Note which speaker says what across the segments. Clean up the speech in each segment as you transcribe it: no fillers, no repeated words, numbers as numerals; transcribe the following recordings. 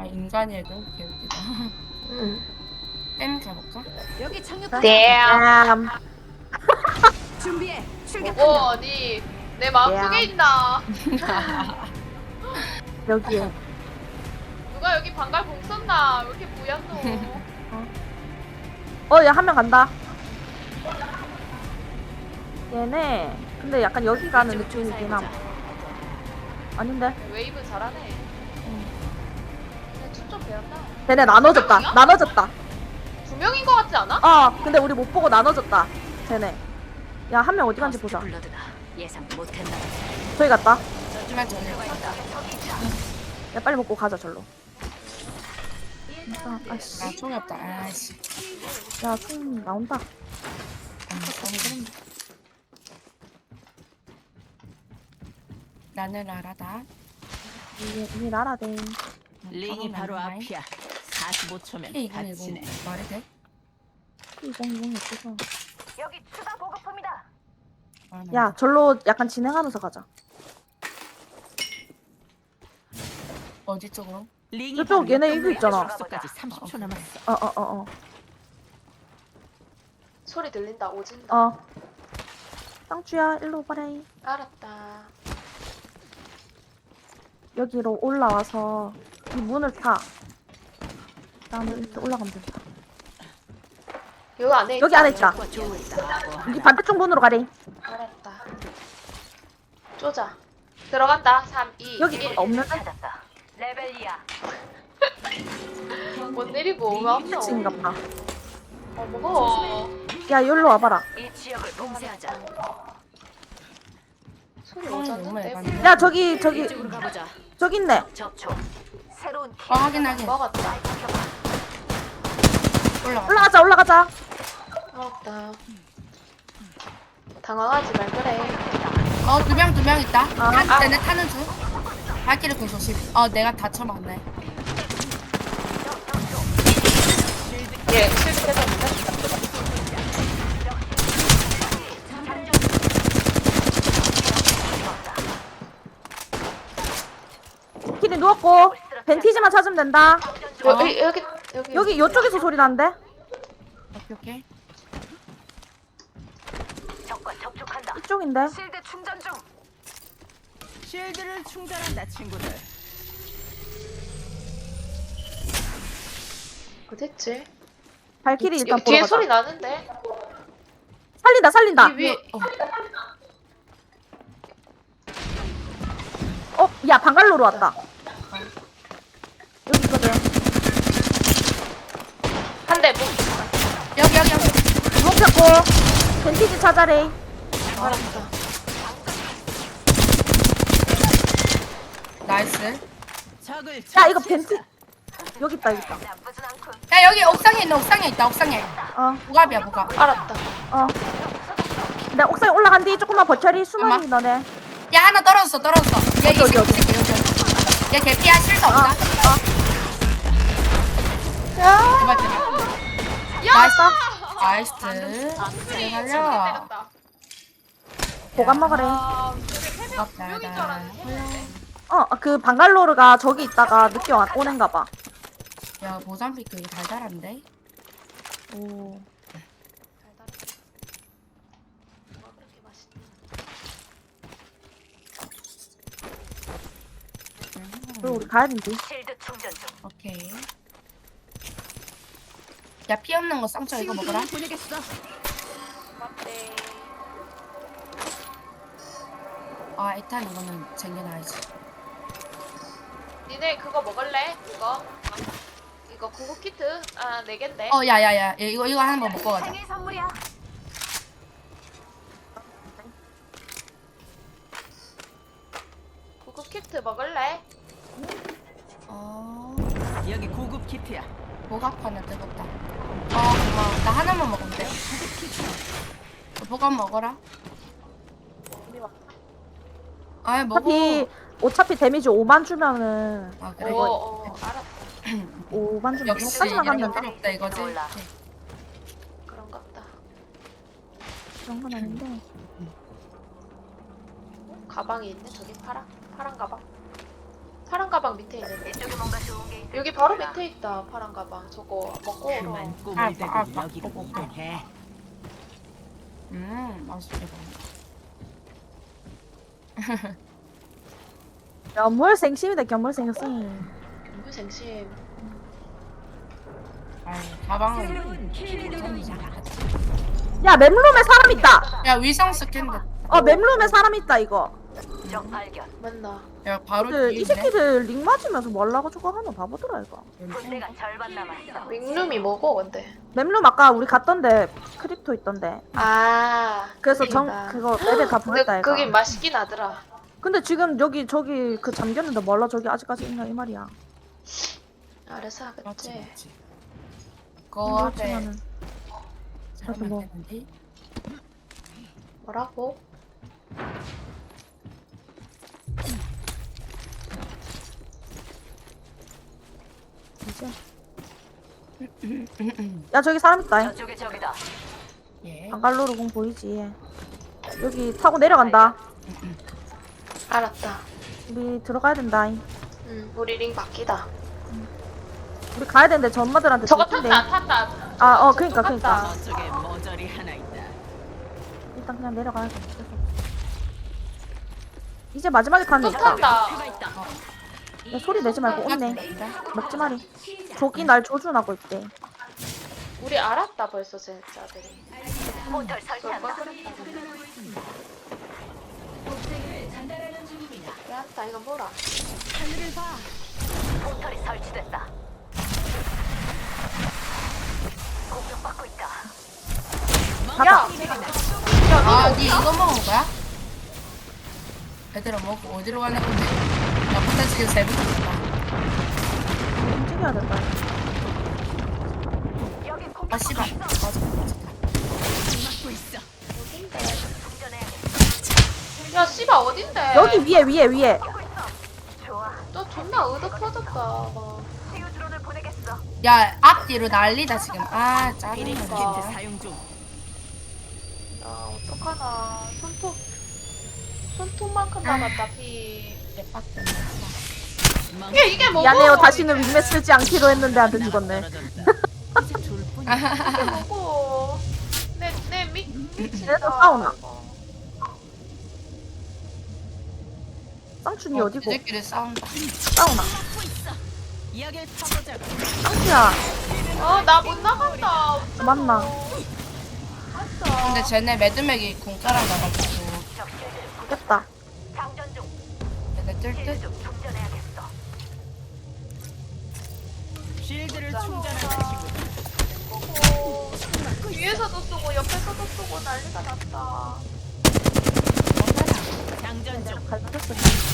Speaker 1: 인간이어도 개웃기다.
Speaker 2: 응.
Speaker 1: 땜 가볼까?
Speaker 3: 여기 착륙.
Speaker 2: damn.
Speaker 3: 준비해. 출격.
Speaker 4: 뭐 어디 내 마음속에 있나?
Speaker 2: 여기에.
Speaker 4: 누가 여기 방갈 공 썼나? 왜 이렇게 부였노?
Speaker 2: 야, 한 명 간다. 얘네. 근데 약간 여기 가는 느낌이긴 함. 아닌데?
Speaker 4: 웨이브 잘하네. 춤좀 배웠다.
Speaker 2: 쟤네 나눠졌다.
Speaker 4: 명이야?
Speaker 2: 나눠졌다.
Speaker 4: 두 명인 것 같지 않아?
Speaker 2: 근데 우리 못 보고 나눠졌다. 쟤네. 야, 한 명 어디 간지 보자.
Speaker 3: 블러드다. 예상 못했나.
Speaker 2: 저기 갔다.
Speaker 1: 하지만 전에
Speaker 2: 야, 빨리 먹고 가자, 절로. 아씨.
Speaker 1: 아 총이 없다. 아씨.
Speaker 2: 야, 총 나온다.
Speaker 1: 나는 알아다.
Speaker 2: 이게 나라대.
Speaker 3: 링이 바로 앞이야. 45초면
Speaker 1: 이거
Speaker 3: 다치네.
Speaker 1: 말이 돼?
Speaker 2: 이거 없어서.
Speaker 3: 여기 추가 보급품이다.
Speaker 1: 아,
Speaker 2: 야, 절로 약간 진행하면서 가자.
Speaker 1: 어디 쪽으로?
Speaker 3: 링이
Speaker 2: 저쪽
Speaker 3: 바로
Speaker 2: 얘네
Speaker 3: 옆
Speaker 2: 이거 있잖아.
Speaker 3: 숙소까지 30초 남았어.
Speaker 2: 어.
Speaker 4: 소리 들린다. 오진다.
Speaker 2: 쌍추야, 일로 오바래.
Speaker 4: 알았다.
Speaker 2: 여기로 올라와서 이 문을 타. 그다음에 이렇게 올라가면 된다.
Speaker 4: 여기 안에
Speaker 2: 여기 안에 있다.
Speaker 3: 과 좋을다.
Speaker 2: 여기 반대쪽 문으로 가래.
Speaker 4: 알았다. 쪼자. 들어간다. 3, 2,
Speaker 2: 여기
Speaker 4: 1.
Speaker 2: 없는데?
Speaker 3: 찾았다. 레벨 2야.
Speaker 4: 못 내리고 왜 없노?
Speaker 2: 끝인가 봐.
Speaker 4: 먹어.
Speaker 2: 야, 여기로 와봐라.
Speaker 3: 이 지역을 봉쇄하자.
Speaker 4: 소리
Speaker 1: 너무
Speaker 4: 오졌는데?
Speaker 1: 해봤네.
Speaker 2: 야, 저기
Speaker 3: 이쪽으로 가보자.
Speaker 2: 저기 있네.
Speaker 3: 접촉. 새로운
Speaker 1: 확인.
Speaker 4: 먹었다.
Speaker 1: 올라가.
Speaker 2: 올라가자.
Speaker 4: 먹었다. 당황하지 말 그래.
Speaker 1: 두 명 있다.
Speaker 2: 아.
Speaker 1: 쟤네 타는 중. 발길을 그 조심. 내가 다쳐맞네.
Speaker 4: 예, 실드 깨졌는데?
Speaker 2: 키리 누웠고 벤티지만 찾으면 된다.
Speaker 4: 여기.
Speaker 2: 요쪽에서 소리 나는데?
Speaker 1: 오케이.
Speaker 3: 적과 접촉한다.
Speaker 2: 이쪽인데?
Speaker 3: 실드 충전 중. 실드를 충전한다, 친구들.
Speaker 4: 어딨지?
Speaker 2: 발키리 일단
Speaker 4: 여기
Speaker 2: 보러
Speaker 4: 뒤에
Speaker 2: 가자.
Speaker 4: 소리 나는데?
Speaker 2: 살린다.
Speaker 4: 이 위에.
Speaker 2: 야, 방갈로로 왔다. 여기 있거든.
Speaker 4: 한 대, 뭐.
Speaker 1: 여기.
Speaker 2: 누웠고 벤티지 찾아래.
Speaker 4: 알았다.
Speaker 1: 나이스.
Speaker 3: 적을
Speaker 2: 야, 이거 벤티 여기 있다.
Speaker 3: 나쁘진 않군.
Speaker 1: 야 여기 옥상에 있다. 옥상에. 보갑이야 보갑.
Speaker 4: 알았다.
Speaker 2: 내 옥상에 올라간 뒤 조금만 버텨리. 수만이
Speaker 1: 엄마.
Speaker 2: 너네.
Speaker 1: 야 하나 떨어졌어. 얘
Speaker 2: 어디?
Speaker 1: 얘 개피야 실수 없다. 제발. 나이스.
Speaker 4: 소리
Speaker 1: 살려.
Speaker 4: 때렸다.
Speaker 2: 보관 먹으래.
Speaker 1: 고맙다.
Speaker 4: 명인 줄 알았는데.
Speaker 2: 그 방갈로르가 저기 있다가 늦게 오는가 봐.
Speaker 1: 야 모잠비크 이거 달달한데?
Speaker 2: 오.
Speaker 4: 달달해. 뭐가 그렇게 맛있나?
Speaker 2: 그리고 우리 가야 된디.
Speaker 3: 실드 충전 중.
Speaker 1: 오케이. 야 피 없는 거 쌍쳐 이거 먹어라.
Speaker 3: 보내겠어.
Speaker 4: 고맙대.
Speaker 1: 일단 이거는 챙겨놔야지.
Speaker 4: 니네 그거 먹을래? 이거 구급 키트? 4개인데.
Speaker 1: 야야야 이거 한번 먹고 가자.
Speaker 3: 생일 선물이야.
Speaker 4: 구급 키트 먹을래?
Speaker 3: 여기 고급 키트야.
Speaker 1: 보갑 하나 뜨겁다. 고마워. 나 하나만 먹으면 돼. 보갑 먹어라. 먹어.
Speaker 2: 어차피 데미지 5만 주면은
Speaker 1: 그래.
Speaker 4: 알았다.
Speaker 2: 5만 주면
Speaker 1: 역시
Speaker 2: 까지만
Speaker 1: 이런
Speaker 2: 가면
Speaker 1: 거 필요 없다 이거지.
Speaker 3: 몰라.
Speaker 4: 그런갑다.
Speaker 2: 그런 건 아닌데.
Speaker 4: 가방이 있네. 저기 파란 가방. 파란 가방 밑에 있는데. 여기 바로 밑에 있다. 파란 가방. 저거 먹고 오러.
Speaker 3: 그만
Speaker 1: 아,
Speaker 3: 꿈을
Speaker 1: 아,
Speaker 3: 대고
Speaker 1: 아,
Speaker 3: 여기로
Speaker 1: 보고.
Speaker 3: 오게.
Speaker 1: 맛있게 보인다.
Speaker 2: 견물생심이다 견물생심.
Speaker 4: 누구 생심.
Speaker 1: 아유, 가방은.
Speaker 2: 야 맵룸에 사람 있다.
Speaker 1: 야, 위성 스캔데.
Speaker 2: 맵룸에 사람 있다 이거.
Speaker 4: 맞나?
Speaker 1: 야, 바로
Speaker 2: 이
Speaker 1: 뒤에 있네.
Speaker 2: 새끼들 링 맞으면서 뭘라고 저거 하노 바보더라 이거.
Speaker 4: 윙룸이 뭐고 근데?
Speaker 2: 맵룸 아까 우리 갔던데 크립토 있던데.
Speaker 4: 아.
Speaker 2: 그래서
Speaker 4: 그니까.
Speaker 2: 그거 맵에 다 보냈다
Speaker 4: 근데
Speaker 2: 이거.
Speaker 4: 그게 맛있긴 하더라.
Speaker 2: 근데 지금 여기 저기 그 잠겼는데 몰라 저기 아직까지 있나 이 말이야.
Speaker 4: 알아서
Speaker 1: 맞지,
Speaker 4: 하겠지.
Speaker 1: 맞지. 그거 앞에
Speaker 2: 그렇지만은
Speaker 1: 사람이
Speaker 2: 뭐.
Speaker 1: 되는데.
Speaker 4: 뭐라고?
Speaker 2: 이제. 야 저기 사람 있다.
Speaker 1: 예.
Speaker 2: 방갈로르 공 보이지? 여기 타고 내려간다.
Speaker 4: 알았다.
Speaker 2: 우리 들어가야 된다.
Speaker 4: 우리 링 바뀌다.
Speaker 2: 우리 가야 되는데 저 엄마들한테
Speaker 4: 저거
Speaker 2: 들킨대.
Speaker 4: 탔다.
Speaker 2: 그니까.
Speaker 3: 저쪽에 모조리 하나 있다.
Speaker 2: 일단 그냥 내려가야 돼. 이제 마지막에 타는
Speaker 4: 또
Speaker 2: 애 있다.
Speaker 4: 탄다.
Speaker 2: 야, 소리 내지 말고 온네. 먹지 마리. 조기 날 조준하고 있대.
Speaker 4: 우리 알았다 벌써 진짜들이. 알았다 이거 뭐라? 야!
Speaker 1: 아, 니 이거 먹은 거야? 얘들아, 먹고 어디로 가는 건데? 나 부터 지금 세 분.
Speaker 2: 움직여야 된다.
Speaker 1: 아, 씨발. 맞아.
Speaker 4: 야 씨발 어딘데?
Speaker 2: 여기 위에.
Speaker 4: 너 존나 의도 터졌다. 막.
Speaker 1: 야, 앞뒤로 난리다, 지금. 아, 짜증나.
Speaker 4: 그러니까.
Speaker 3: 사용 중.
Speaker 4: 야 어떡하나. 손톱만큼 남았다 피.
Speaker 1: 개빡대.
Speaker 4: 이게 뭐고?
Speaker 2: 미안해요. 다시는 윙매 쓰지 않기로 했는데 안 돼 죽었네.
Speaker 3: 이제 줄 뿐이야.
Speaker 4: 이게 뭐고? 내 미친다.
Speaker 2: 얘네들 싸우나? 쌍춘이 어디고?
Speaker 1: 니들끼리 싸운다.
Speaker 2: 싸우나?
Speaker 3: 이야기를 타보자고.
Speaker 2: 쌍춘이야.
Speaker 4: 나 못 나간다.
Speaker 2: 맞나?
Speaker 4: 맞다.
Speaker 1: 근데 쟤네 매드맥이 공짜랑 나가지고.
Speaker 2: 됐다.
Speaker 1: 얘네 뜰 듯?
Speaker 3: 쉴드를 충전한다 친구들.
Speaker 4: 뒤에서도 쏘고 옆에서도 쏘고 난리가 났다.
Speaker 3: 장전 중.
Speaker 2: 갈렸어.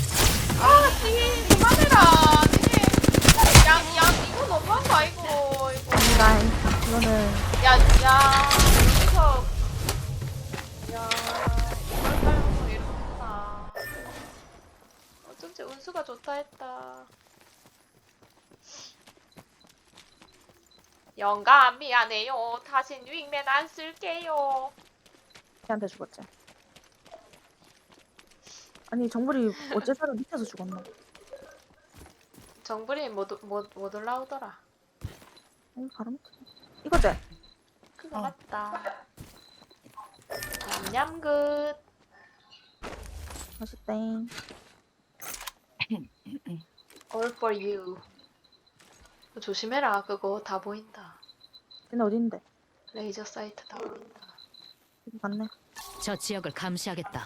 Speaker 4: 니 그만해라. 니네 양 이거 너무한 거 아이고 이거.
Speaker 2: 아니다. 이거는
Speaker 4: 야 여기서 이걸 깔고 이렇게 했다. 어쩐지 운수가 좋다 했다. 영감 미안해요. 다신 윙맨 안 쓸게요.
Speaker 2: 걔한테 죽었지. 아니 정글이 어째 저를 밑에서 죽었나?
Speaker 4: 정불이 못 올라오더라.
Speaker 2: 바로 밑에. 이거지?
Speaker 4: 그거 맞다. 냠냠 굿.
Speaker 2: 맛있땡.
Speaker 4: All for you. 조심해라. 그거 다 보인다.
Speaker 2: 얘네 어딘데?
Speaker 4: 레이저 사이트 다 보인다.
Speaker 2: 여기 갔네.
Speaker 3: 저 지역을 감시하겠다.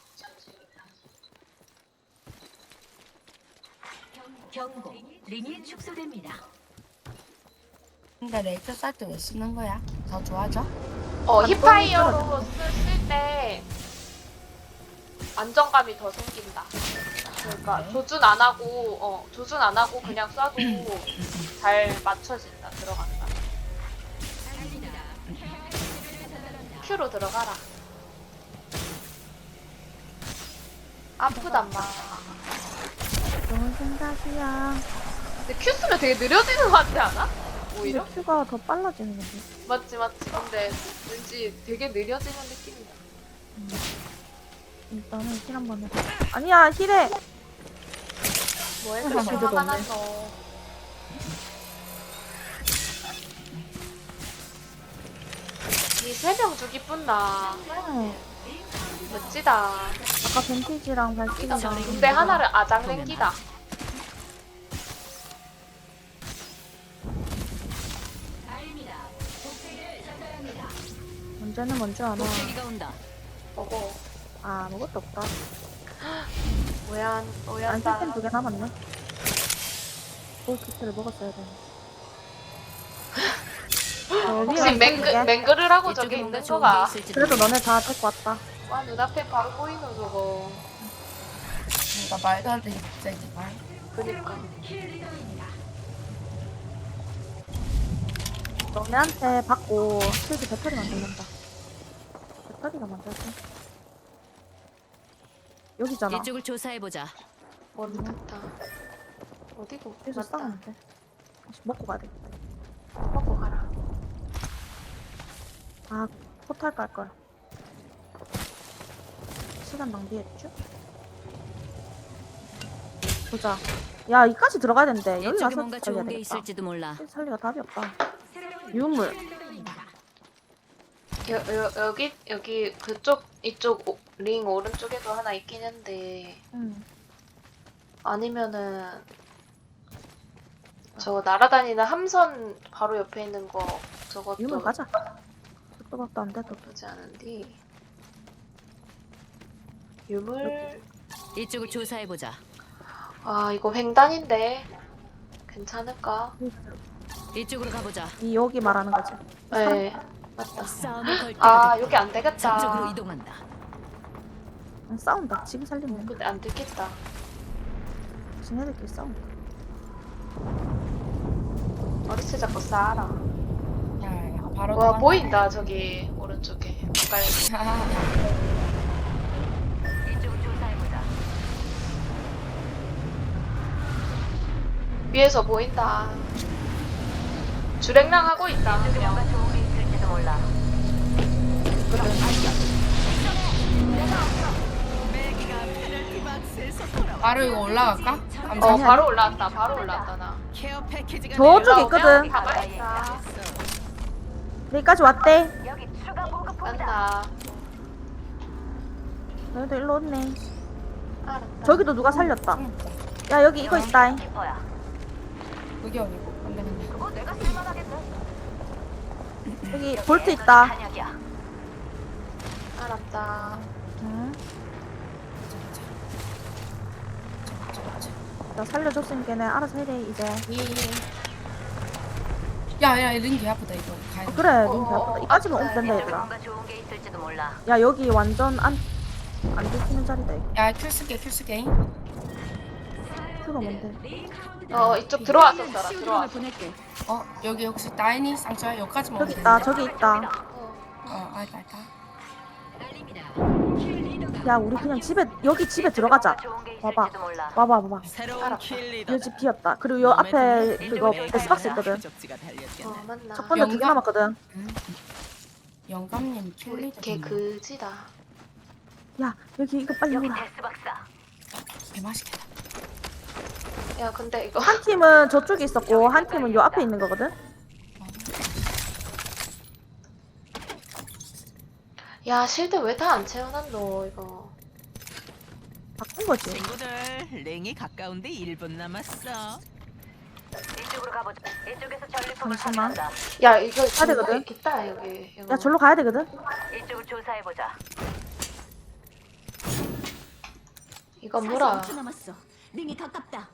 Speaker 5: 경고, 링이 축소됩니다.
Speaker 1: 근데 레이저 사이트 왜 쓰는 거야? 더 좋아져?
Speaker 4: 힙파이어로 쓸 때 안정감이 더 생긴다. 그러니까 조준 안 하고 그냥 쏴도 잘 맞춰진다. 들어간다. Q로 들어가라. 아프단 말.
Speaker 2: 좋은 생각이야.
Speaker 4: 근데 Q 쓰면 되게 느려지는 것 같지 않아?
Speaker 2: 근데
Speaker 4: 오히려?
Speaker 2: 큐가 더 빨라지는 건데.
Speaker 4: 맞지. 근데 왠지 되게 느려지는 느낌이다.
Speaker 2: 일단은 힐 한번 해. 아니야 힐해.
Speaker 4: 뭐 이렇게
Speaker 2: 실드도
Speaker 4: 화가
Speaker 2: 없네.
Speaker 4: 났노. 이 3명 죽이 뿐나.
Speaker 2: 네.
Speaker 4: 멋지다.
Speaker 2: 아까 벤티지랑 발키리랑
Speaker 4: 근데 하나를 아장랭기다.
Speaker 2: 문제는 뭔지 아나?
Speaker 3: 독대기가 온다.
Speaker 4: 보고
Speaker 2: 아, 아무것도 없다.
Speaker 4: 오얀
Speaker 2: 안
Speaker 4: 오얀다.
Speaker 2: 쓸땐 2개 남았네. 골키트를 먹었어야 되네.
Speaker 4: 혹시 맹그르라고 저기
Speaker 3: 이쪽에 뭔가
Speaker 4: 있는
Speaker 3: 좋은 게
Speaker 4: 거가?
Speaker 3: 있을지도
Speaker 2: 그래도
Speaker 3: 몰라.
Speaker 2: 너네 다 데리고 왔다.
Speaker 4: 와 눈앞에 바로 보이노 저거.
Speaker 1: 뭔가 말도 안 되게 갑자기 말.
Speaker 4: 그니까.
Speaker 2: 너네한테 받고 실드 배터리 만들란다. 배터리가 만들었어. 여기잖아.
Speaker 3: 이쪽을 조사해 보자.
Speaker 4: 머리 탔다. 어디고?
Speaker 2: 여기서
Speaker 4: 맞다.
Speaker 2: 싸우면 돼. 먹고 가야 돼.
Speaker 4: 먹고 가라.
Speaker 2: 아, 포탈 깔 거야. 시간 낭비했죠? 보자. 야, 이까지 들어가야 되는데. 여기
Speaker 3: 이쪽에
Speaker 2: 가서
Speaker 3: 뭔가
Speaker 2: 살려야
Speaker 3: 좋은 게
Speaker 2: 되겠다.
Speaker 3: 있을지도 몰라.
Speaker 2: 살리가 답이 없다. 유물.
Speaker 4: 여기 그쪽 이쪽 링 오른쪽에도 하나 있긴 한데
Speaker 2: 응.
Speaker 4: 아니면은 저 날아다니는 함선 바로 옆에 있는 거 저것도
Speaker 2: 유물 가자. 그것도 안 돼도.
Speaker 4: 나쁘지 않은데 유물
Speaker 3: 이쪽을 조사해 보자.
Speaker 4: 아 이거 횡단인데 괜찮을까?
Speaker 3: 이쪽으로 가보자.
Speaker 2: 이 여기 말하는 거지.
Speaker 4: 네 맞다.
Speaker 3: 싸움을 걸
Speaker 4: 아
Speaker 3: 때가
Speaker 4: 여기 안 되겠다.
Speaker 3: 저쪽으로 이동한다.
Speaker 2: 응, 싸운다. 지금 살리면.
Speaker 4: 근데 안 되겠다.
Speaker 2: 지네들끼리 싸운다.
Speaker 4: 머리채 잡고 싸라.
Speaker 1: 야, 바로
Speaker 4: 와
Speaker 1: 도망가.
Speaker 4: 보인다 저기 오른쪽에 가까이.
Speaker 1: 야,
Speaker 5: 이쪽을 조사해 보자.
Speaker 4: 위에서 보인다. 주랭랑 하고 있다 한 명.
Speaker 5: 뭔가 좋은 게 있을지도 몰라.
Speaker 3: 매기가 페널티 박스에서 돌아와.
Speaker 1: 바로 이거 올라갈까?
Speaker 4: 어 바로 올라왔다. 바로 올라왔다 나.
Speaker 3: 케어 패키지가
Speaker 2: 저쪽에
Speaker 3: 내려와.
Speaker 2: 있거든.
Speaker 4: 가만히 있다.
Speaker 2: 여기까지 왔대.
Speaker 5: 여기 추가 보급품이다.
Speaker 4: 맞나?
Speaker 2: 너희도 일로 왔네.
Speaker 4: 알았다.
Speaker 2: 저기도 누가 살렸다. 야, 여기 이거 있다.
Speaker 5: 키퍼야.
Speaker 1: 여기 여기고. 안 되겠네.
Speaker 5: 그거 내가 쓸만하겠네.
Speaker 2: 여기 볼트 있다.
Speaker 5: 한약이야.
Speaker 4: 알았다.
Speaker 2: 응.
Speaker 1: 자.
Speaker 2: 나 살려줬으니까 걔네 알아서 해래 이제.
Speaker 1: 야, 링 개 아프다 이거. 가야 돼.
Speaker 2: 그래, 링크 아프다. 이까지만 오면 된다
Speaker 5: 이쪽에
Speaker 2: 얘들아.
Speaker 5: 뭔가 좋은 게 있을지도 몰라.
Speaker 2: 야, 여기 완전 안 들키는 자리다. 이거.
Speaker 1: 야, 큐 쓸게.
Speaker 2: 큐가 뭔데?
Speaker 4: 이쪽 들어왔었더라.
Speaker 3: 시우드론을
Speaker 4: 들어왔어.
Speaker 3: 보낼게.
Speaker 1: 여기 혹시 따이니 쌍꺼야 여기까지만
Speaker 2: 저기
Speaker 1: 오면
Speaker 2: 있다,
Speaker 1: 되는데?
Speaker 2: 저기 있다.
Speaker 1: 알다.
Speaker 2: 야, 우리 그냥 집에, 여기 집에 들어가자.
Speaker 5: 뭔가 좋은 게
Speaker 2: 봐봐.
Speaker 5: 있을지도 몰라.
Speaker 2: 봐봐.
Speaker 3: 새로운
Speaker 4: 알았다.
Speaker 3: 킬리더.
Speaker 2: 이 집 비었다. 그리고 요 앞에 그거 데스박스 있거든.
Speaker 4: 맞나?
Speaker 2: 첫 번째 2개
Speaker 1: 영감?
Speaker 2: 남았거든.
Speaker 1: 영감님 킬리더.
Speaker 4: 걔 그지다.
Speaker 2: 야, 여기 이거 빨리
Speaker 5: 여기
Speaker 2: 오라.
Speaker 5: 데스박스다.
Speaker 1: 개 맛있겠다.
Speaker 4: 야 근데 이거
Speaker 2: 한 팀은 저쪽에 있었고, 한 팀은 요 앞에 있는 거거든.
Speaker 4: 야 실드 왜 다 안 채워놨노 이거.
Speaker 2: 바꾼 거지.
Speaker 3: 친구들, 랭이 가까운데 1분 남았어.
Speaker 5: 이쪽으로 가보자. 이쪽에서 전리품을
Speaker 2: 잠시만.
Speaker 5: 확인한다.
Speaker 4: 야 이거
Speaker 2: 가야 되거든?
Speaker 4: 있다 여기. 이거.
Speaker 2: 야, 절로 가야 되거든.
Speaker 5: 이쪽을 조사해 보자.
Speaker 4: 이거 뭐라?
Speaker 3: 남았어. 랭이 가깝다.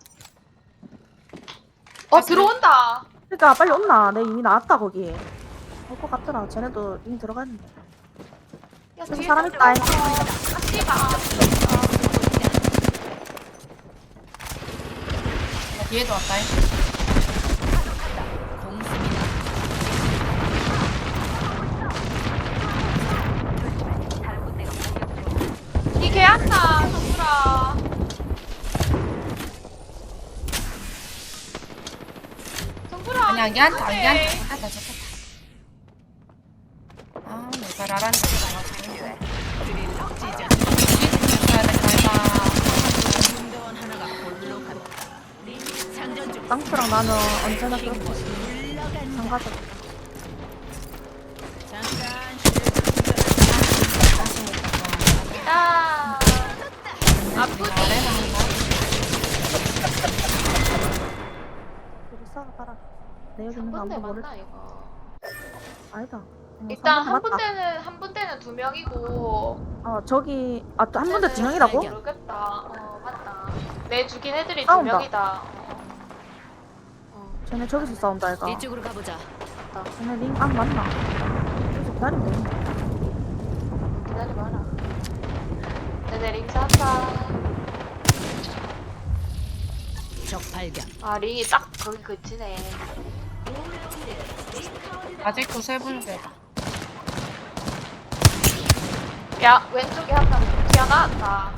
Speaker 4: 들어온다.
Speaker 2: 그러니까 빨리 온나. 내 이미 나왔다 거기. 올 것 같더라. 쟤네도 이미 들어갔는데.
Speaker 4: 야
Speaker 2: 저기
Speaker 4: 뒤에
Speaker 2: 사람 있다.
Speaker 4: 아 씨가.
Speaker 1: 야, 뒤에도 왔다잉.
Speaker 3: 공습이다.
Speaker 5: 다른 군대가 공격 중.
Speaker 4: 이 개한다 정수라. 정수라.
Speaker 1: 아니 안 괜찮다.
Speaker 4: 어떡해.
Speaker 1: 잡혔다. 내가 라라는 거 나가지고.
Speaker 3: 드릴 찢어.
Speaker 1: 가야 돼.
Speaker 3: 군대원 하나가 홀로 간다.
Speaker 2: 땅프랑 나는 언제나 그렇듯이
Speaker 3: 물러간다.
Speaker 2: 상가적.
Speaker 3: 잠깐 쉴드 충전한다.
Speaker 4: 야 아프지?
Speaker 2: 여기 싸가봐라. 내 여기 있는 거
Speaker 4: 3분대
Speaker 2: 아무도 모를.
Speaker 4: 맞나 이거?
Speaker 2: 아니다.
Speaker 4: 일단 한
Speaker 2: 맞다.
Speaker 4: 분대는 2명이고
Speaker 2: 저기 또 한 분대 2명이라고?
Speaker 4: 모르겠다. 맞다. 내 죽인 애들이
Speaker 2: 싸운다.
Speaker 4: 2명이다.
Speaker 2: 쟤네 저기서 싸운다 이가.
Speaker 3: 이쪽으로 가보자.
Speaker 4: 맞다.
Speaker 2: 쟤네 링 맞나? 여기서 기다리면 되겠네.
Speaker 4: 기다려봐라. 내내 링 쌌다.
Speaker 3: 적 발견.
Speaker 4: 아 링이 딱 거기 그치네.
Speaker 1: 아직도 세 분대다.
Speaker 4: 야 왼쪽에 한 명 튀어나왔다.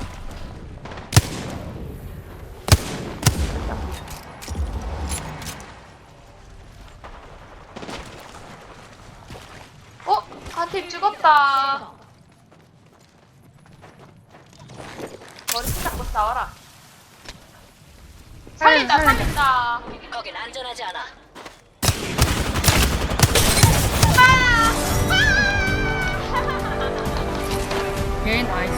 Speaker 4: 한 팀 죽었다. 머리 잡고 싸워라. 살린다, 살린다.
Speaker 5: 거긴 안전하지 않아.
Speaker 1: 얘 나이스.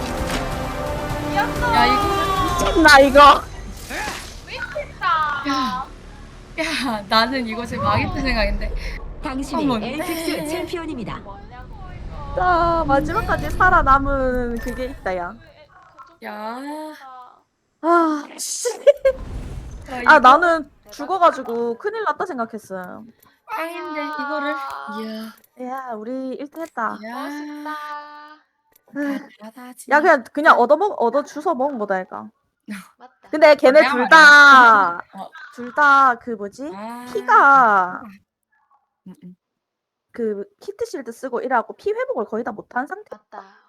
Speaker 4: 이겼어.
Speaker 1: 야 이거.
Speaker 2: 나 이거.
Speaker 4: 미쳤다.
Speaker 1: 야 나는 이거 지금 망했다 생각인데.
Speaker 6: 당신이
Speaker 1: 어머.
Speaker 6: 엘픽스 챔피언입니다.
Speaker 4: 뭐냐고
Speaker 2: 자 마지막까지 살아남은 그게 있다 야.
Speaker 1: 야.
Speaker 2: 아 씨.
Speaker 1: 야,
Speaker 2: 아
Speaker 1: 이거
Speaker 2: 나는 죽어가지고 큰일 났다 생각했어요.
Speaker 1: 짱인데 이거를. 이야.
Speaker 2: 야 우리 1등 했다.
Speaker 1: 야.
Speaker 4: 멋있다.
Speaker 1: 바다지.
Speaker 2: 야 그냥 얻어 주워 먹은 거다 얘가.
Speaker 4: 맞다.
Speaker 2: 근데 걔네
Speaker 1: 내가
Speaker 2: 둘 다
Speaker 1: 어.
Speaker 2: 둘 다 그 뭐지
Speaker 1: 아.
Speaker 2: 피가
Speaker 1: 음.
Speaker 2: 그 키트 실드 쓰고 이래갖고 피 회복을 거의 다 못한 상태.
Speaker 4: 맞다.